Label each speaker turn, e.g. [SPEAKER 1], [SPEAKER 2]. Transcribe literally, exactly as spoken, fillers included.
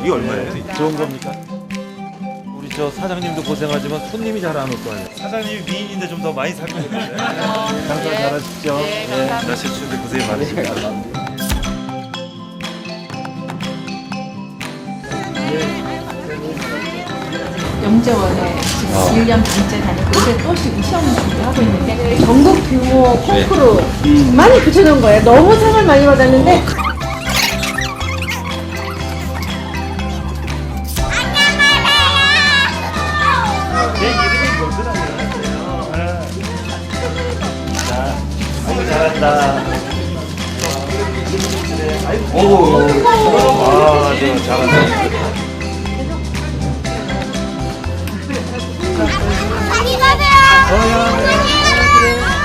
[SPEAKER 1] 이게 얼마예요? 이게?
[SPEAKER 2] 좋은 겁니까? 우리 저 사장님도 고생하지만 손님이 잘 안 올 거 아니에요.
[SPEAKER 1] 사장님이 미인인데 좀 더 많이 살 것 같은데.
[SPEAKER 2] 장사 잘하십시오.
[SPEAKER 3] 네, 감사합니다.
[SPEAKER 1] 날씨 추운데 고생이 많으십니다.
[SPEAKER 4] 영재원에 지금 일 년 반째 다니고 이제 또 지금 시험 준비하고 있는데 전국 규모 콩쿠르 많이 붙여놓은 거예요. 너무 상을 많이 받았는데
[SPEAKER 1] 내 이름이 뭐더라고요? 자, 아이고 잘한다. 오, 아, 저 잘한다.
[SPEAKER 5] 많이 가세요.
[SPEAKER 1] 어, 야,
[SPEAKER 5] 안녕히 가세요.